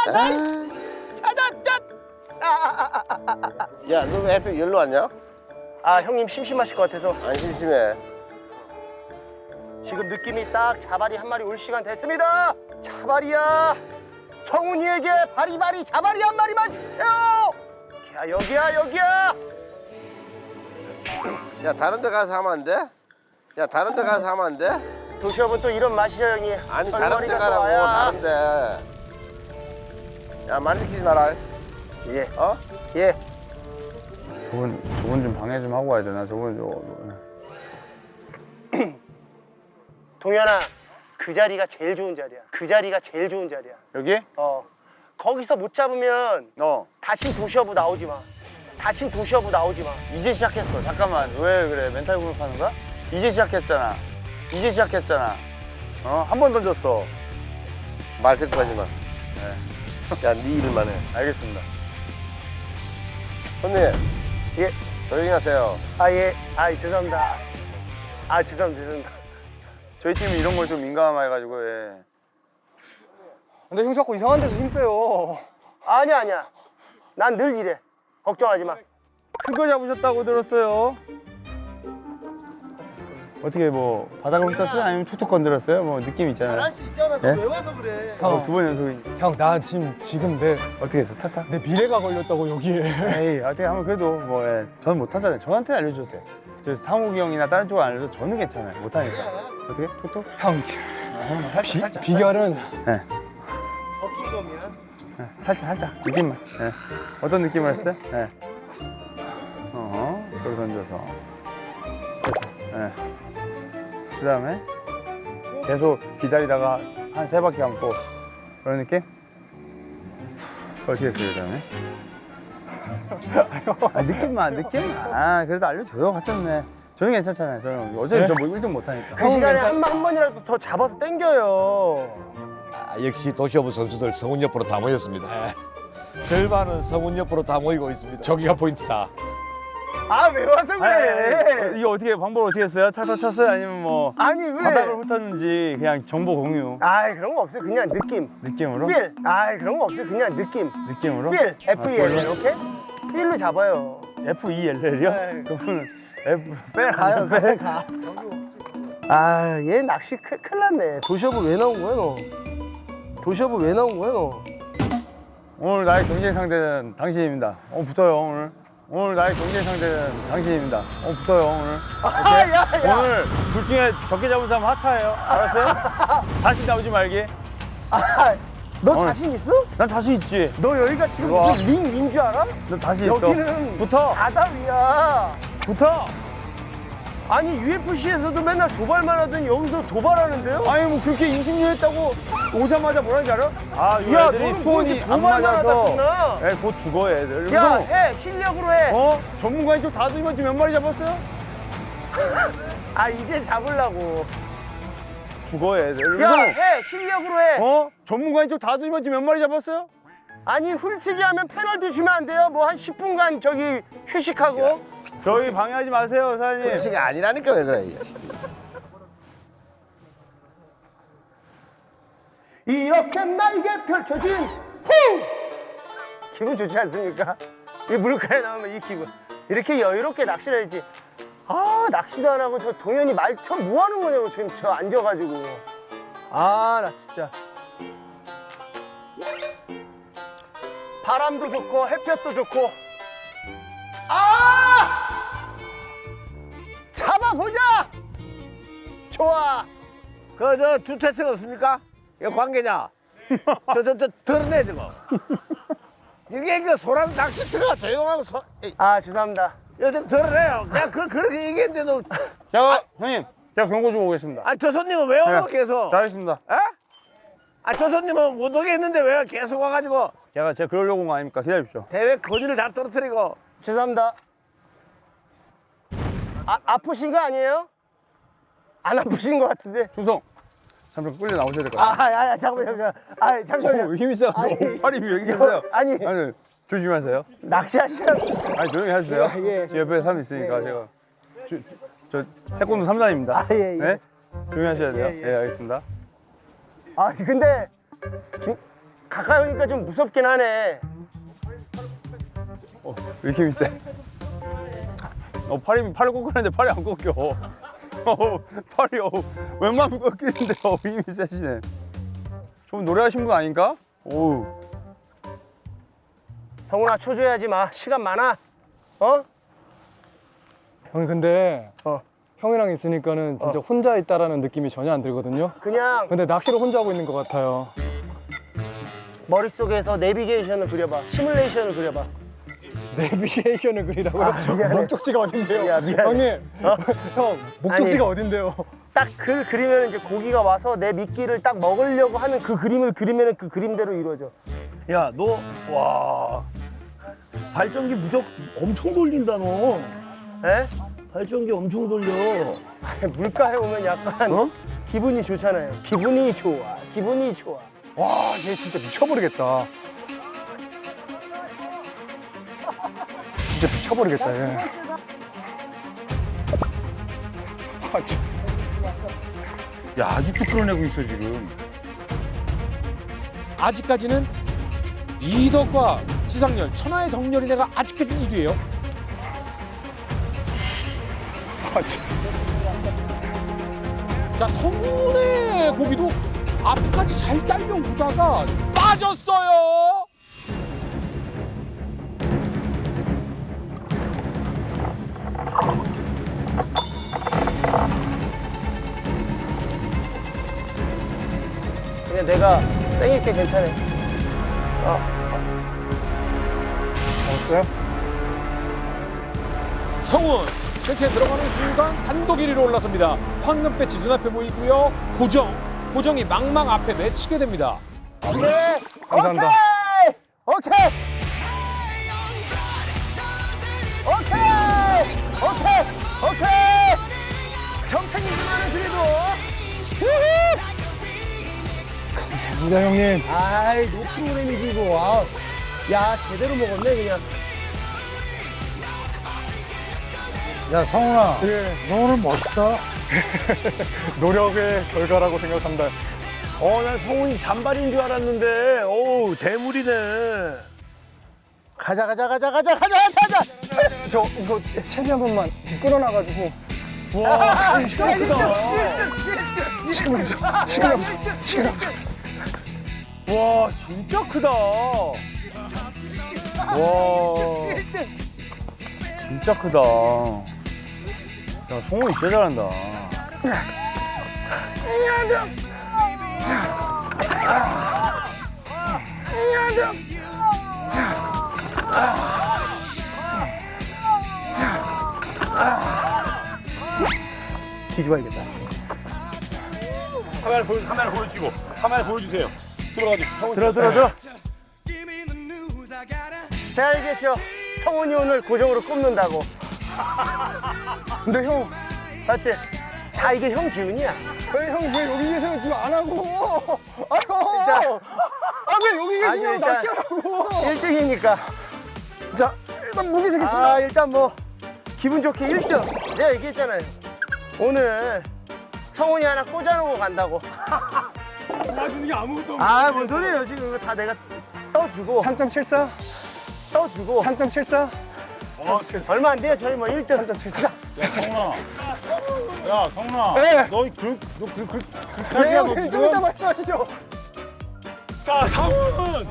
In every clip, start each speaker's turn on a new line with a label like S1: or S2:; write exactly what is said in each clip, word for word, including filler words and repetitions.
S1: 찾았다. 찾았다.
S2: 야, 너 왜 하필 여기로 왔냐?
S1: 아 형님 심심하실 것 같아서
S2: 안 심심해.
S1: 지금 느낌이 딱 자바리 한 마리 올 시간 됐습니다. 자바리야. 성훈이에게 바리바리 자바리 한 마리만 주세요. 야 여기야 여기야.
S2: 야, 다른 데 가서 하면 안 돼? 야, 다른 데 가서 하면 안 돼?
S1: 도시업은 또 이런 맛이죠 형님.
S2: 아니, 다른 데
S1: 썰머리가 또
S2: 가라고,
S1: 와야.
S2: 다른 데. 야, 말 시키지 마라.
S1: 예.
S2: 어?
S1: 예.
S3: 저분 저분 좀 방해 좀 하고 와야 되나? 저분 저
S1: 동현아 그 자리가 제일 좋은 자리야. 그 자리가 제일 좋은 자리야.
S3: 여기?
S1: 어. 거기서 못 잡으면
S3: 어.
S1: 다신 도시어부 나오지 마. 다신 도시어부 나오지 마.
S3: 이제 시작했어. 잠깐만. 왜 그래? 멘탈 공격하는 거야? 이제 시작했잖아. 이제 시작했잖아. 어? 한 번 던졌어.
S2: 말 듣고 하지 마.
S3: 네.
S2: 야, 네 일만 해.
S3: 알겠습니다.
S2: 손님,
S1: 예.
S2: 조용히 하세요.
S1: 아 예. 아 죄송합니다. 아 죄송합니다. 죄송합니다.
S3: 저희 팀이 이런 걸 좀 민감해가지고 예.
S4: 근데 형 자꾸 이상한 데서 힘 빼요.
S1: 아니야 아니야. 난 늘 이래. 걱정하지 마.
S3: 큰 거 잡으셨다고 들었어요. 어떻게 뭐 바닥을 훑었어요? 아니면 툭툭 건드렸어요? 뭐 느낌 있잖아요.
S1: 수 있잖아.
S3: 예?
S1: 왜 와서 그래?
S3: 어, 두 번 연속이
S4: 형, 나 지금 지금 내,
S3: 어떻게 했어? 타타?
S4: 내 미래가 걸렸다고 여기에.
S3: 에이 어떻게 하면 그래도 뭐 예. 저는 못하잖아요. 저한테 알려줘도 돼. 저 상욱이 형이나 다른 쪽은 안 알려도 저는 괜찮아요. 못하니까. 어떻게? 툭툭?
S4: 형,
S3: 어, 살짝
S4: 비,
S3: 살짝.
S4: 비결은
S3: 네.
S1: 버킹 거면
S3: 네, 살짝 살짝 느낌만. 네. 어떤 느낌을 했어요? 네. 어, 저를 던져서. 됐어. 네. 그 다음에 계속 기다리다가 한 세 바퀴 감고 그런 느낌? 어떻게 했어요, 그 다음에? 아, 느낌만, 느낌만. 아, 그래도 알려줘요. 같았네. 저는 괜찮잖아요. 저는 어차피
S4: 네?
S3: 저뭐 일 등 못하니까.
S1: 그 시간에 한, 번- 한 번이라도 더 잡아서 당겨요.
S5: 아, 역시 도시오브 선수들 성훈 옆으로 다 모였습니다. 절반은 성훈 옆으로 다 모이고 있습니다.
S6: 저기가 포인트다.
S1: 아 왜 와서
S3: 아니, 아니,
S1: 그래?
S3: 아니, 이거 어떻게 방법 어떻게 했어요? 타서 쳤어요? 아니면 뭐
S1: 아니 왜?
S3: 바닥을 훑었는지 그냥 정보 공유
S1: 아이 그런 거 없어요. 그냥 느낌.
S3: 느낌으로?
S1: 필. 아이 그런 거 없어요. 그냥 느낌.
S3: 느낌으로?
S1: 필. F E L
S3: 아,
S1: 이렇게 필로 잡아요.
S3: F E L L이요?
S1: 네.
S3: 그분은 F 빼
S1: 가요.
S3: 빼.
S1: 가. 아, 얘 낚시 큰, 큰일 났네. 도시어부 왜 나온 거야, 너? 도시어부 왜 나온 거야, 너?
S3: 오늘 나의 경쟁 상대는 당신입니다. 어 붙어요 오늘. 오늘 나의 경쟁 상대는 당신입니다. 어 붙어요 오늘.
S1: 아, 야, 야.
S3: 오늘 둘 중에 적게 잡은 사람 하차예요. 알았어요? 다시 나오지 말기.
S1: 아, 너
S3: 오늘.
S1: 자신 있어?
S3: 난 자신 있지.
S1: 너 여기가 지금
S3: 우와.
S1: 무슨 링 윈 줄 알아?
S3: 너 자신 있어.
S1: 여기는
S3: 붙어.
S1: 바다 위야.
S3: 붙어.
S1: 아니, 유 에프 씨에서도 맨날 도발만 하더니 여기서 도발하는데요?
S3: 아니 뭐 그렇게 인심류 했다고 오자마자 뭐라는지 알아? 아 이
S1: 야,
S3: 애들이
S1: 너는
S3: 수온이
S1: 뭐 이렇게
S3: 안
S1: 도발만
S3: 맞아서
S1: 하다 끝나?
S3: 애 곧 죽어 애들.
S1: 야,
S3: 그래서
S1: 해. 실력으로 해.
S3: 어? 전문가인 쪽 다 들면 지금 몇 마리 잡았어요?
S1: 아, 이제 잡으려고.
S3: 죽어 애들.
S1: 야,
S3: 그래서
S1: 해. 실력으로 해.
S3: 어? 전문가인 쪽 다 들면 지금 몇 마리 잡았어요?
S1: 아니, 훌치기 하면 페널티 주면 안 돼요? 뭐 한 십 분간 저기 휴식하고.
S3: 저희 방해하지 마세요 사장님.
S2: 솔직히 아니라니까 왜 그래, 이 자식들.
S1: 이렇게 나에게 펼쳐진 후! 기분 좋지 않습니까? 이 물가에 나오면 이 기분. 이렇게 여유롭게 낚시를 해야지. 아, 낚시도 안 하고 저 동현이 말처럼 뭐 하는 거냐고 지금 저 앉아가지고. 아, 나 진짜. 바람도 좋고 햇볕도 좋고. 아! 잡아보자! 좋아.
S2: 그, 저, 주택생 없습니까? 이거 관계자. 저, 저, 저, 드러내, 저거. 이게 그 소랑 낚시터가 조용하고 소, 이,
S1: 아, 죄송합니다.
S2: 이거 좀 드러내요. 내가 그, 그렇게 얘기했는데도.
S3: 자 형님 제가 경고 주고 오겠습니다.
S2: 아, 저 손님은 왜 오고
S3: 네.
S2: 계속?
S3: 잘했습니다.
S2: 에? 아, 저 손님은 못 오게 했는데 왜 계속 와가지고
S3: 제가 제가 그러려고 온 거 아닙니까? 기다리십시오.
S2: 대회 건의를 잘 떨어뜨리고.
S1: 죄송합니다. 아, 아프신 거 아니에요? 안 아프신 거 같은데.
S3: 충성. 잠깐 끌려 나오셔야 될 것 같아요.
S1: 아, 아, 아, 잠깐만, 잠깐만. 아, 잠깐만요.
S3: 어, 힘이 세.
S1: 아니,
S3: 팔이 왜 여기 있어요?
S1: 아니.
S3: 아니 조심하세요.
S1: 낚시하시라고.
S3: 아니 조용히 해주세요.
S1: 예, 예.
S3: 제 옆에 사람 있으니까 제가 저, 저 태권도 삼 단입니다.
S1: 아, 예, 예.
S3: 네? 조용히 하셔야 돼요.
S1: 예,
S3: 예,
S1: 예.
S3: 알겠습니다.
S1: 아, 근데 김, 가까이 오니까 좀 무섭긴 하네.
S3: 어, 왜 이렇게 힘이 세? 어, 팔이, 팔을 꺾으는데 팔이 안 꺾여. 어, 팔이, 어, 웬만하면 꺾이는데, 어, 힘이 세시네. 좀 노래하신 분 아닌가? 오우.
S1: 성훈아 초조해하지 마. 시간 많아. 어?
S4: 형님 근데
S1: 어.
S4: 형이랑 있으니까는 진짜 혼자 있다라는 느낌이 전혀 안 들거든요.
S1: 그냥
S4: 근데 낚시를 혼자 하고 있는 것 같아요.
S1: 머릿속에서 내비게이션을 그려봐. 시뮬레이션을 그려봐.
S4: 내비게이션을 그리라고요?
S1: 아, 미안해.
S4: 목적지가 어딘데요?
S1: 야, 미안해.
S4: 형님, 형 목적지가 어딘데요?
S1: 딱 그 그리면 이제 고기가 와서 내 미끼를 딱 먹으려고 하는 그 그림을 그리면 그 그림대로 이루어져.
S2: 야, 너, 와. 발전기 무적 엄청 돌린다, 너.
S1: 에?
S2: 발전기 엄청 돌려.
S1: 물가에 오면 약간
S2: 어?
S1: 기분이 좋잖아요. 기분이 좋아. 기분이 좋아.
S4: 와, 얘 진짜 미쳐버리겠다. 진짜 미쳐버리겠다, 얘. 아, 참.
S3: 야, 아직도 끌어내고 있어, 지금.
S6: 아직까지는 이덕과 지상렬, 천하의 덕렬이네가 아직까지는 일 위예요.
S4: 아, 참.
S6: 자, 성훈의 고기도 앞까지 잘 딸려오다가 빠졌어요.
S1: 그냥 내가 땡길게 괜찮아. 어.
S4: 알았어요?
S6: 성훈 전체 들어가는 순간 단독 일 위로 올라섭니다. 황금 배지 눈앞에 보이고요. 고정, 고정이 망망 앞에 맺히게 됩니다.
S1: 오케이.
S4: 감사합니다.
S1: 오케이. 오케이. 오케이. 오케이. 정탱이지만은 그래도. 우후.
S4: 감사합니다, 형님.
S1: 아이, 노 프로그램이지 이거. 아, 야, 제대로 먹었네 그냥.
S4: 야, 성훈아.
S1: 예.
S4: 너 오늘 멋있다. 노력의 결과라고 생각한다.
S2: 어, 난 성훈이 잔발인 줄 알았는데, 어우, 대물이네.
S1: 가자, 가자, 가자, 가자, 가자, 가자, 가자.
S4: 저 이거 채비 한 번만 끌어놔가지고.
S1: 와,
S4: 시간 크다. 시간 없어. 시간 없어. 시간 없어.
S3: 와, 진짜 크다. 와, 진짜 크다. 야, 성훈이 진짜 잘한다.
S1: 뒤집어야겠다.
S2: 카메라 보여, 카메라 보여주시고, 카메라 보여주세요. 들어가지고, 성훈.
S1: 들어, 들어, 들어. 제가 알겠죠. 성훈이 오늘 고정으로 꼽는다고.
S4: 근데 형,
S1: 맞지? 다 이게 형 기운이야.
S4: 왜 형 왜 여기 계세요? 지금 안 하고? 아
S1: 자,
S4: 형! 아왜 여기
S1: 아니,
S4: 계시냐고
S1: 일단
S4: 낚시하라고!
S1: 일 등이니까. 자, 일단 무게 세겠습니다. 아, 일단 뭐 기분 좋게 일 등. 내가 얘기했잖아요. 오늘 성훈이 하나 꽂아놓고 간다고.
S2: 나중에 아무것도 없네.
S1: 아, 뭔 소리예요. 지금 이거 다 내가 떠주고,
S4: 삼 점 칠사?
S1: 떠주고.
S4: 삼 점 칠사?
S1: 얼마 안 돼요. 저희 뭐 일 등. 삼 점 칠사.
S3: 야, 성훈아.
S1: 네.
S3: 너, 그, 너, 그, 그, 그,
S1: 네,
S4: 형, 좀 이따 말씀하시죠.
S2: 자, 성훈!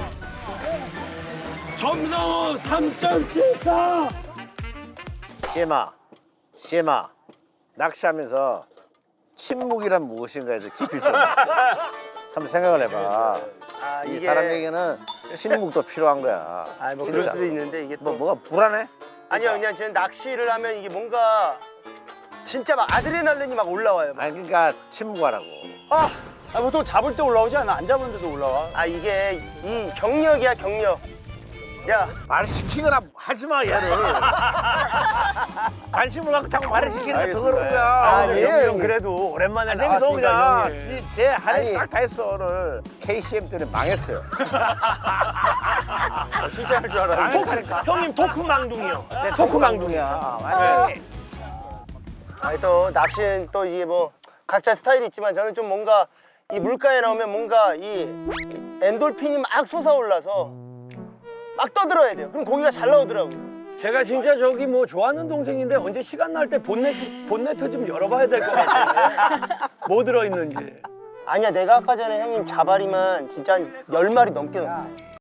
S2: 정성훈 삼 점 칠사!
S7: 시엠아, 시엠아, 낚시하면서 침묵이란 무엇인가에 대해 깊이 좀 한번 생각을 해봐.
S1: 아,
S7: 이
S1: 이게-
S7: 사람에게는 침묵도 필요한 거야.
S1: 아, 뭐 그럴
S7: 진짜.
S1: 수도 있는데 이게 또.
S7: 너 뭐가 불안해?
S1: 아니요, 그냥 저는 낚시를 하면 이게 뭔가 진짜 막 아드레날린이 막 올라와요. 막.
S7: 아니 그러니까 침묵하라고.
S1: 아,
S3: 아, 보통 잡을 때 올라오지 않아? 안 잡은데도 올라와.
S1: 아 이게 이 경력이야 경력. 야,
S7: 말 시키거나 하지 마 얘를. 관심을 갖고 자꾸 말을 시키는 게 더 그런 거야.
S1: 아,
S2: 형,
S1: 예,
S2: 형,
S1: 형님.
S2: 그래도 오랜만에
S7: 아니 너 그냥
S2: 나왔으니까 형님.
S7: 지- 제 할일
S1: 아니.
S7: 싹 다 했어 오늘. 케이씨엠 때문에 망했어요.
S3: 진짜 할 줄 알아.
S7: 망했다니까.
S2: 형님 토크 망둥이요.
S7: 제 토크 망둥이야. 완전히.
S1: 아니 또 낚시는 또 이게 뭐 각자 스타일이 있지만 저는 좀 뭔가 이 물가에 나오면 뭔가 이 엔돌핀이 막 솟아올라서 막 떠들어야 돼요. 그럼 고기가 잘 나오더라고요.
S8: 제가 진짜 저기 뭐 좋아하는 동생인데 언제 시간 날 때 본네트 본네트 좀 열어봐야 될 것 같아요. 뭐 들어있는지.
S1: 아니야, 내가 아까 전에 형님 자바리만 진짜 한 열 마리 넘게 넣었어.